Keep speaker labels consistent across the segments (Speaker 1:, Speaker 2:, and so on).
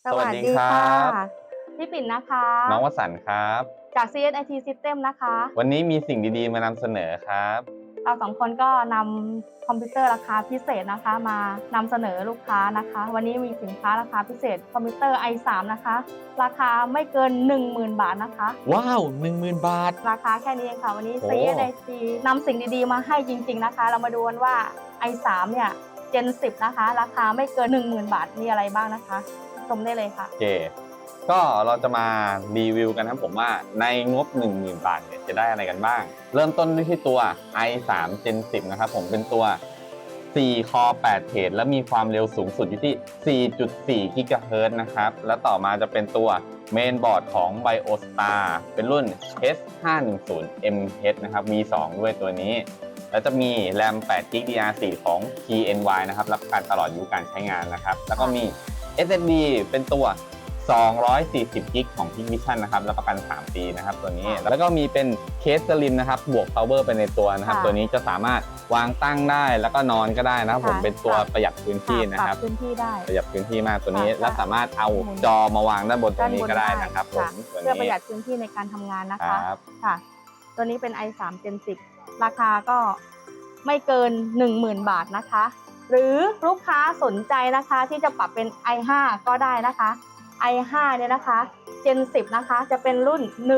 Speaker 1: สวัสดีค
Speaker 2: ค่ะ
Speaker 1: รับ
Speaker 2: พี่ปิ่นนะคะ
Speaker 1: น้องวสันต์ครับ
Speaker 2: จาก CSIT System นะคะ
Speaker 1: วันนี้มีสิ่งดีๆมานำเสนอครับ
Speaker 2: เราสองคนก็นำคอมพิวเตอร์ราคาพิเศษนะคะมานำเสนอลูกค้านะคะวันนี้มีสินค้าราคาพิเศษคอมพิวเตอร์ i3 นะคะราคาไม่เกิน 10,000 บาทนะคะ
Speaker 1: ว้าว10,000 บาท
Speaker 2: ราคาแค่นี้เองค่ะวันนี้
Speaker 1: โอ้
Speaker 2: CSIT นำสิ่งดีๆมาให้จริงๆนะคะเรามาดูกันว่า i3 เนี่ย Gen 10นะคะราคาไม่เกิน 10,000 บาทมีอะไรบ้างนะคะชมได้เลยค่ะ
Speaker 1: โอเคก็เราจะมารีวิวกันครับผมว่าในงบ 10,000 บาทเนี่ยจะได้อะไรกันบ้างเริ่มต้นด้วยที่ตัว i3 Gen 10นะครับผมเป็นตัว4 Core 8 เทรดและมีความเร็วสูงสุดอยู่ที่ 4.4 GHz นะครับแล้วต่อมาจะเป็นตัวเมนบอร์ดของ BioStar เป็นรุ่น H510MH นะครับ V2 ด้วยตัวนี้แล้วจะมี RAM 8GB DDR4 ของ TNY นะครับรับประกันตลอดอายุการใช้งานนะครับแล้วก็มี SSD เป็นตัว240 กิกของ Hikvision นะครับรับประกัน3 ปีนะครับตัวนี้แล้วก็มีเป็นเคสสลิมนะครับบวก power ไปในตัวนะครับตัวนี้จะสามารถวางตั้งได้แล้วก็นอนก็ได้นะครับผมเป็นตัวประหยัดพื้นที่นะครับ
Speaker 2: พื้นที่ได้
Speaker 1: ประหยัดพื้นที่มากตัวนี้และสามารถเอาจอมาวางด้านบนตัวนี้ก็ได้นะครับผม
Speaker 2: เพื่อประหยัดพื้นที่ในการทำงานนะคะค่ะตัวนี้เป็น i3 Gen 10ราคาก็ไม่เกิน 10,000 บาทนะคะหรือลูกค้าสนใจนะคะที่จะปรับเป็น i5 ก็ได้นะคะ i5 เนี่ยนะคะ Gen 10นะคะจะเป็นรุ่น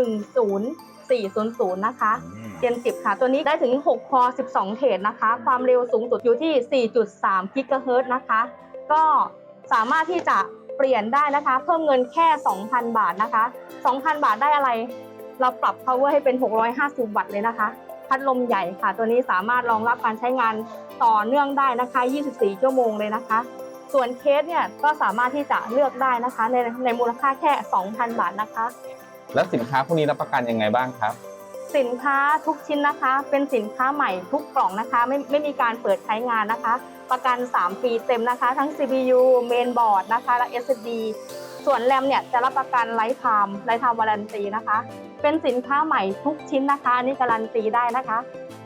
Speaker 2: 10400นะคะ Gen 10ค่ะตัวนี้ได้ถึง6 Core 12 เทรดนะคะความเร็วสูงสุดอยู่ที่ 4.3 GHz นะคะก็สามารถที่จะเปลี่ยนได้นะคะเพิ่มเงินแค่ 2,000 บาทนะคะ 2,000 บาทได้อะไรเราปรับ power ให้เป็น650 วัตต์เลยนะคะพัดลมใหญ่ค่ะตัวนี้สามารถรองรับการใช้งานต่อเนื่องได้นะคะ24 ชั่วโมงเลยนะคะส่วนเคสเนี่ยก็สามารถที่จะเลือกได้นะคะในมูลค่าแค่ 2,000 บาทนะคะ
Speaker 1: แล้วสินค้าพวกนี้รับประกันยังไงบ้างครับ
Speaker 2: สินค้าทุกชิ้นนะคะเป็นสินค้าใหม่ทุกกล่องนะคะไม่มีการเปิดใช้งานนะคะประกัน3 ปีเต็มนะคะทั้ง CPU Mainboard นะคะและ SSD ส่วนแรมเนี่ยจะรับประกันไลฟ์ไทม์วารันตีนะคะเป็นสินค้าใหม่ทุกชิ้นนะคะอันนี้การันตีได้นะคะ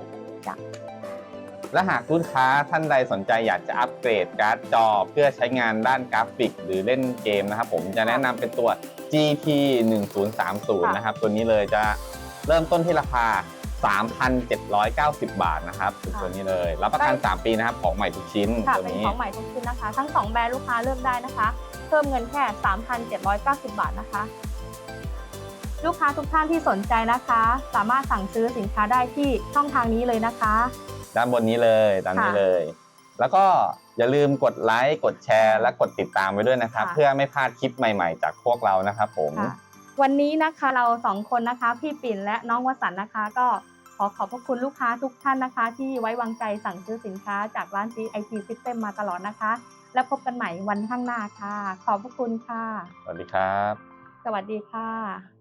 Speaker 1: และหากลูกค้าท่านใดสนใจอยากจะอัปเกรดการ์ดจอเพื่อใช้งานด้านกราฟิกหรือเล่นเกมนะครับผมจะแนะนำเป็นตัว GT 1030นะครับตัวนี้เลยจะเริ่มต้นที่ราคา 3,790 บาทนะครับตัวนี้เลยรับประกัน3 ปีนะครับของใหม่ทุกชิ้น
Speaker 2: ตัวนี้เป็นของใหม่ทุกชิ้นนะคะทั้ง2แบรนด์ลูกค้าเลือกได้นะคะเพิ่มเงินแค่ 3,790 บาทนะคะลูกค้าทุกท่านที่สนใจนะคะสามารถสั่งซื้อสินค้าได้ที่ช่องทางนี้เลยนะคะ
Speaker 1: ด้านบนนี้เลยตามนี้เลยแล้วก็อย่าลืมกดไลค์กดแชร์และกดติดตามไว้ด้วยนะครับเพื่อไม่พลาดคลิปใหม่ๆจากพวกเรานะครับผม
Speaker 2: วันนี้นะคะเรา2 คนนะคะพี่ปิ่นและน้องวสันต์นะคะก็ขอบพระคุณลูกค้าทุกท่านนะคะที่ไว้วางใจสั่งซื้อสินค้าจากร้าน CSIT System มาตลอดนะคะแล้วพบกันใหม่วันข้างหน้าค่ะขอบพระคุณค่ะ
Speaker 1: สวัสดีครับ
Speaker 2: สวัสดีค่ะ